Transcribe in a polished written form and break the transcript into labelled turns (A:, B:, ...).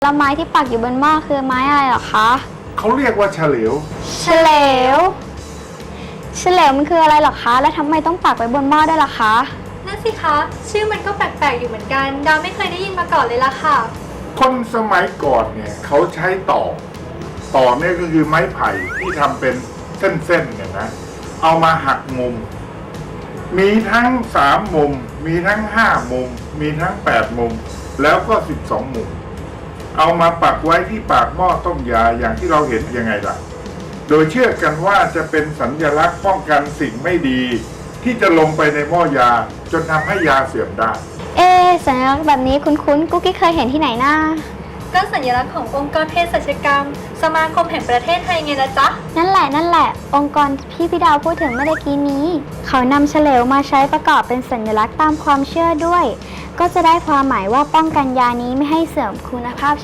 A: แล้วไม้ที่ปักอยู่บนหม้อคือไม้อะไรเหรอคะ
B: เขาเรียกว่าเฉลียว
A: เฉลวเฉลวมันคืออะไรเหรอคะแล้วทำไมต้องปักไว้บนหม้อด้วยล่ะคะ
C: นั่นสิคะชื่อมันก็แปลกๆอยู่เหมือนกันดาวไม่เคยได้ยินมาก่อนเลยล่ะค่ะ
B: คนสมัยก่อนเนี่ยเขาใช้ต่อเนี่ยก็คือไม้ไผ่ที่ทำเป็นเส้นๆเนี่ยนะเอามาหักมุมมีทั้ง3 มุมมีทั้ง5 มุมมีทั้ง8 มุมแล้วก็12 มุมเอามาปักไว้ที่ปากหม้อต้มยาอย่างที่เราเห็นยังไงล่ะโดยเชื่อกันว่าจะเป็นสัญลักษณ์ป้องกันสิ่งไม่ดีที่จะลงไปในหม้อยาจนทำให้ยาเสื่อมได้
A: สัญลักษณ์แบบนี้คุ้นๆกุ๊กกิ๊กเคยเห็นที่ไหนนะ
C: ก็สัญลักษณ์ขององค์กรเภสัชกรรมสมาคมแห่งประเทศไทยไงล่ะจ๊ะ
A: นั่นแหละองค์กรที่พี่ดาวพูดถึงเมื่อกี้นี้เขานำเฉลวมาใช้ประกอบเป็นสัญลักษณ์ตามความเชื่อด้วยก็จะได้ความหมายว่าป้องกันยานี้ไม่ให้เสื่อมคุณภาพ